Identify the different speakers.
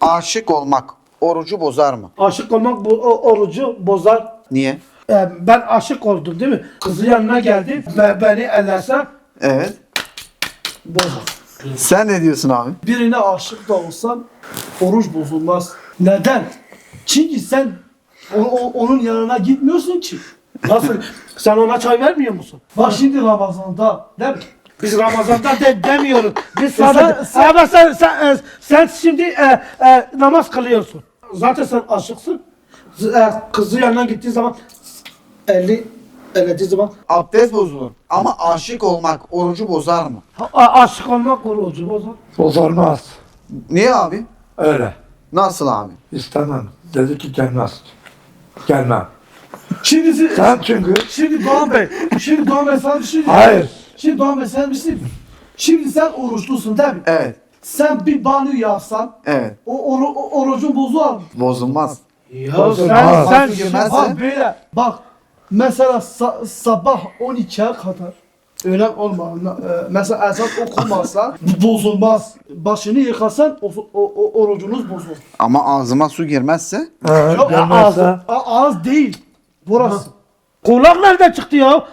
Speaker 1: Aşık olmak orucu bozar mı?
Speaker 2: Aşık olmak orucu bozar.
Speaker 1: Niye?
Speaker 2: Ben aşık oldum değil mi? Kızın yanına geldi ve beni ellerse
Speaker 1: Evet.
Speaker 2: bozar.
Speaker 1: Sen ne diyorsun abi?
Speaker 2: Birine aşık da olsan oruç bozulmaz. Neden? Çünkü sen onun yanına gitmiyorsun ki. Nasıl? Sen ona çay vermiyor musun? Bak şimdi Ramazan'da değil mi? Biz Ramazan'da demiyoruz. Biz sadece... Ama sen şimdi namaz kılıyorsun. Zaten sen aşıksın. Kızı yanına gittiği zaman ellediği zaman
Speaker 1: Abdest bozulur. Ama aşık olmak orucu bozar mı?
Speaker 2: aşık olmak orucu bozar.
Speaker 3: Bozulmaz.
Speaker 1: Niye abi?
Speaker 3: Öyle.
Speaker 1: Nasıl abi?
Speaker 3: İstemem. Dedi ki gelmez. Gelmem.
Speaker 2: Şimdi
Speaker 3: Sen çünkü...
Speaker 2: Şimdi Doğan Bey sana bir şey diyeyim.
Speaker 3: Hayır.
Speaker 2: Şimdi Doğan Bey sana bir şey diyeyim. Şimdi sen oruçlusun değil mi?
Speaker 1: Evet.
Speaker 2: Sen bir banyo yapsan
Speaker 1: Evet.
Speaker 2: o orucun bozulur mu?
Speaker 1: Bozulmaz.
Speaker 2: Ya
Speaker 3: Bozulmaz.
Speaker 2: sen
Speaker 1: Nasıl girmezse?
Speaker 2: bak böyle bak mesela sabah 12'ye kadar öğlen mesela ezan okumazsan bozulmaz. Başını yıkasan orucunuz bozulur.
Speaker 1: Ama ağzıma su girmezse?
Speaker 2: Yok
Speaker 3: Gelmezse...
Speaker 2: ağız değil. Burası. Kulak nereden çıktı ya?